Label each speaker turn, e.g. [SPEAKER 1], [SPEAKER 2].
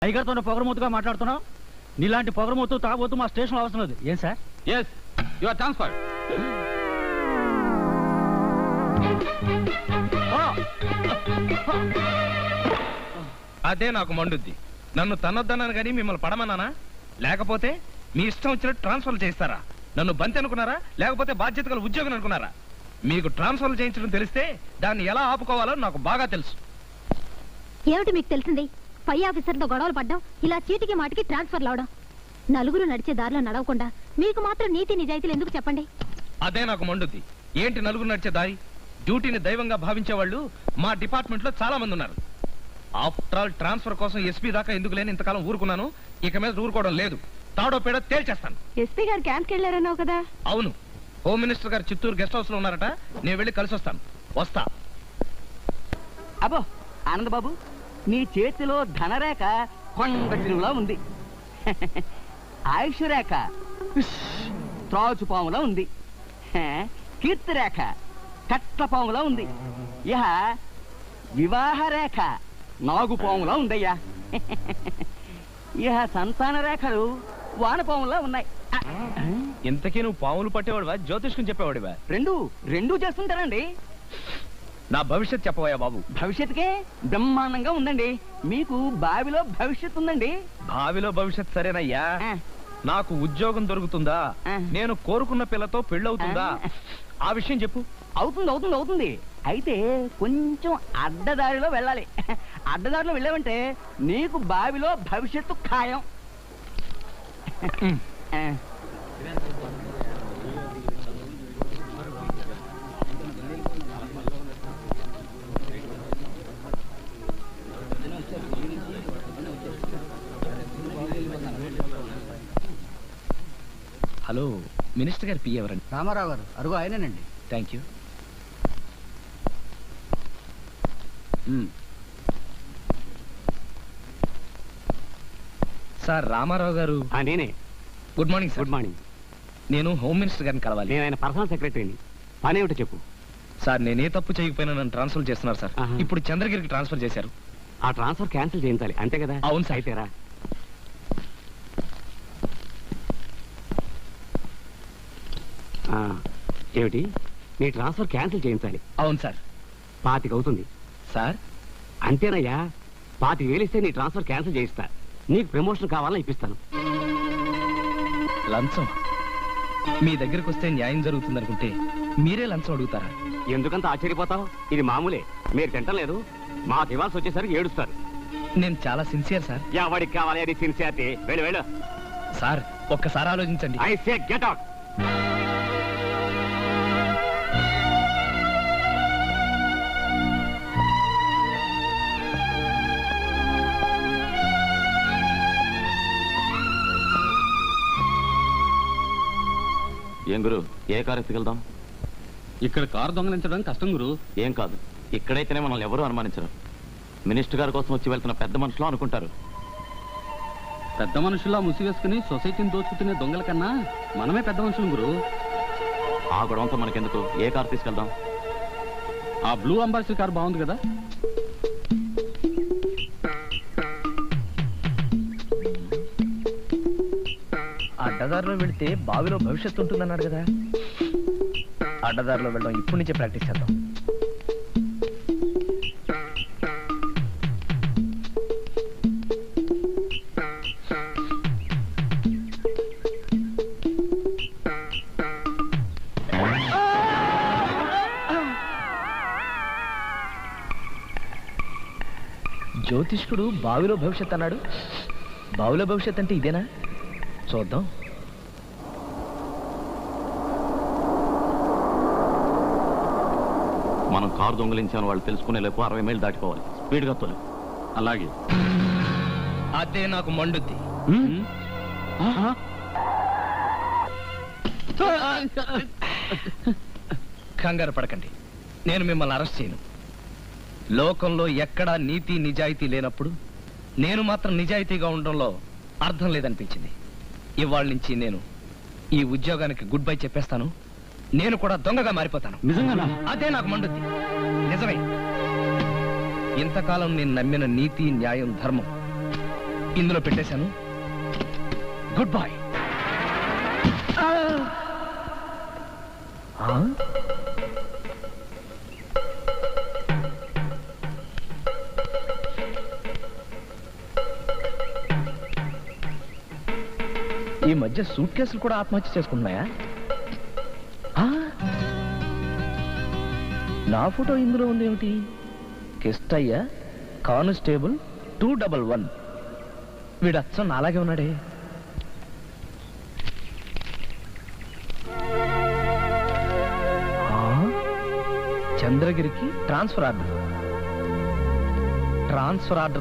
[SPEAKER 1] టైగర్తో పొగరమూతుగా మాట్లాడుతున్నావు. నీలాంటి పొగరమూతు తాగబోతూ మా స్టేషన్ అవసరం లేదు. ఏం sir?
[SPEAKER 2] Yes, you are transferred. అదే నాకు మండుద్ది. నన్ను తన్నొద్దన్నాను కానీ మిమ్మల్ని పడమన్నానా? లేకపోతే మీ ఇష్టం వచ్చినట్టు ట్రాన్స్ఫర్ చేస్తారా? నన్ను బంతి అనుకున్నారా, లేకపోతే బాధ్యత గల ఉద్యోగం అనుకున్నారా? మీకు ట్రాన్స్ఫర్ చేయించడం తెలిస్తే దాన్ని ఎలా ఆపుకోవాలో నాకు బాగా తెలుసు.
[SPEAKER 3] ఏమిటి మీకు తెలిసింది? పై ఆఫీసర్తో గొడవలు పడ్డం, ఇలా చీటికి మాటికి ట్రాన్స్ఫర్ అవడం. నలుగురు నడిచే దారిలో నడవకుండా మీకు మాత్రం నీతి నిజాయితీలు ఎందుకు చెప్పండి?
[SPEAKER 2] అదే నాకు మండుద్ది. ఏంటి నలుగురు నడిచే దారి? డ్యూటీని దైవంగా భావించే వాళ్ళు మా డిపార్ట్మెంట్ లో చాలా మంది ఉన్నారు. ఆఫ్టర్ ఆల్ ట్రాన్స్ఫర్ కోసం ఎస్పీ దాకా ఎందుకు లేని ఇంతకాలం ఊరుకున్నాను. ఇక మీద ఊరుకోవడం లేదు. తాడో పేడ తేల్చేస్తాను.
[SPEAKER 3] ఎస్పీ గారు క్యాంప్కి వెళ్ళారన్నావు కదా?
[SPEAKER 2] అవును, హోమ్ మినిస్టర్ గారు చిత్తూరు గెస్ట్ హౌస్ లో ఉన్నారట. నేను వెళ్ళి కలిసి వస్తాను. వస్తా.
[SPEAKER 4] అబ్బో ఆనందబాబు, నీ చేతిలో ధనరేఖ కొండలా ఉంది. ఆయుష్ రేఖ త్రాచుపాములా ఉంది. కీర్తి రేఖ కట్లపాములా ఉంది. ఇహ వివాహ రేఖ నాగుపాములా ఉందయ్యా. ఇహ సంతాన రేఖలు వానపాములా ఉన్నాయి.
[SPEAKER 2] ఇంతకీ నువ్వు పాములు పట్టేవాడివా, జ్యోతిష్కం చెప్పేవాడివా?
[SPEAKER 4] రెండూ చేస్తుంటారండి.
[SPEAKER 2] నా భవిష్యత్ చెప్పవయ్యా బాబు.
[SPEAKER 4] భవిష్యత్తుకే బ్రహ్మాండంగా ఉందండి. మీకు బావిలో భవిష్యత్తు ఉందండి.
[SPEAKER 2] భావిలో భవిష్యత్ సరేనయ్యా. నాకు ఉద్యోగం దొరుకుతుందా? నేను కోరుకున్న పిల్లతో పెళ్ళవుతుందా? ఆ విషయం చెప్పు.
[SPEAKER 4] అవుతుంది. అయితే కొంచెం అడ్డదారిలో వెళ్ళాలి. అడ్డదారిలో వెళ్ళావంటే నీకు బావిలో భవిష్యత్తు ఖాయం.
[SPEAKER 2] హలో, మినిస్టర్ గారు పి ఎవరండి?
[SPEAKER 1] రామారావు గారు. అరుగు ఆయనేనండి.
[SPEAKER 2] Thank you. Sir, Ramarao garu.
[SPEAKER 4] నేనే.
[SPEAKER 2] Good morning sir.
[SPEAKER 4] Good morning.
[SPEAKER 2] నేను హోమ్ మినిస్టర్ గారిని కలవాలి.
[SPEAKER 4] నేను ఆయన పర్సనల్ సెక్రటరీని. పనేమిటో చెప్పు.
[SPEAKER 2] సార్, నేనే తప్పు చేయకపోయినా నన్ను ట్రాన్స్ఫర్ చేస్తున్నారు సార్. ఇప్పుడు చంద్రగిరికి ట్రాన్స్ఫర్ చేశారు.
[SPEAKER 4] ఆ ట్రాన్స్ఫర్ క్యాన్సిల్ చేయించాలి, అంతే కదా?
[SPEAKER 2] అవును సార్.
[SPEAKER 4] అయితేరా ఏమిటి? నీ ట్రాన్స్ఫర్ క్యాన్సిల్ చేయించాలి?
[SPEAKER 2] అవును సార్.
[SPEAKER 4] 25 అవుతుంది
[SPEAKER 2] సార్.
[SPEAKER 4] అంతేనయ్యా. 25,000 ఇస్తే నీ ట్రాన్స్ఫర్ క్యాన్సిల్ చేయిస్తా. నీకు ప్రమోషన్ కావాలని ఇప్పిస్తాను.
[SPEAKER 2] లంచం? మీ దగ్గరకు వస్తే న్యాయం జరుగుతుంది అనుకుంటే మీరే లంచం అడుగుతారా?
[SPEAKER 4] ఎందుకంత ఆశ్చర్యపోతావు? ఇది మామూలే. మీరు తింటం లేదు. మాకు ఇవ్వాల్సి వచ్చేసరికి ఏడుస్తారు.
[SPEAKER 2] నేను చాలా సిన్సియర్ సార్.
[SPEAKER 4] ఎవడికి కావాలి అది సిన్సియారిటీ? వెళ్ళు.
[SPEAKER 2] సార్, ఒక్కసారి ఆలోచించండి.
[SPEAKER 4] I say get out.
[SPEAKER 5] ఏం గురు, ఏ కారు ఎత్తుకెళ్దాం?
[SPEAKER 6] ఇక్కడ కారు దొంగలించడం కష్టం గురు.
[SPEAKER 5] ఏం కాదు, ఇక్కడైతేనే మనల్ని ఎవరూ అనుమానించరు. మినిస్టర్ గారి కోసం వచ్చి వెళ్తున్న పెద్ద మనుషులు అనుకుంటారు.
[SPEAKER 6] పెద్ద మనుషుల్లా ముసివేసుకుని సొసైటీని దోచుకునే దొంగల కన్నా మనమే పెద్ద మనుషులు గురు.
[SPEAKER 5] ఆ గొడవంతో మనకెందుకు, ఏ కారు తీసుకెళ్దాం?
[SPEAKER 6] ఆ బ్లూ అంబాసిడర్ కారు బాగుంది కదా.
[SPEAKER 2] అడ్డదారిలో వెళితే బావిలో భవిష్యత్తు ఉంటుందన్నాడు కదా. అడ్డదారిలో వెళ్ళడం ఇప్పటి నుంచే ప్రాక్టీస్ చేద్దాం. జ్యోతిష్కుడు బావిలో భవిష్యత్ అన్నాడు. బావిలో భవిష్యత్ అంటే ఇదేనా? చూద్దాం.
[SPEAKER 5] మనం కారు దొంగలించాను వాళ్ళు తెలుసుకునే లేపు 60 మైళ్ళు దాటిపోవాలి. స్పీడ్గా తోలు.
[SPEAKER 6] అలాగే.
[SPEAKER 2] అదే నాకు మండుద్ది. కంగారు పడకండి, నేను మిమ్మల్ని అరెస్ట్ చేయను. లోకంలో ఎక్కడా నీతి నిజాయితీ లేనప్పుడు నేను మాత్రం నిజాయితీగా ఉండడంలో అర్థం లేదనిపించింది. ఇవాళ నుంచి నేను ఈ ఉద్యోగానికి గుడ్ బై చెప్పేస్తాను. నేను కూడా దొంగగా మారిపోతాను.
[SPEAKER 6] నిజంగానా?
[SPEAKER 2] అదే నాకు మండుద్ది. నిజమే. ఇంతకాలం నేను నమ్మిన నీతి, న్యాయం, ధర్మం ఇందులో పెట్టేశాను. Good boy. ఈ మధ్య సూట్ కేసులు కూడా ఆత్మహత్య చేసుకుంటున్నాయా? నా ఫోటో ఇందులో ఉంది ఏమిటి? కిష్టయ్య, కానిస్టేబుల్ 211. వీడు అచ్చం నాలాగే ఉన్నాడే. చంద్రగిరికి ట్రాన్స్ఫర్ ఆర్డర్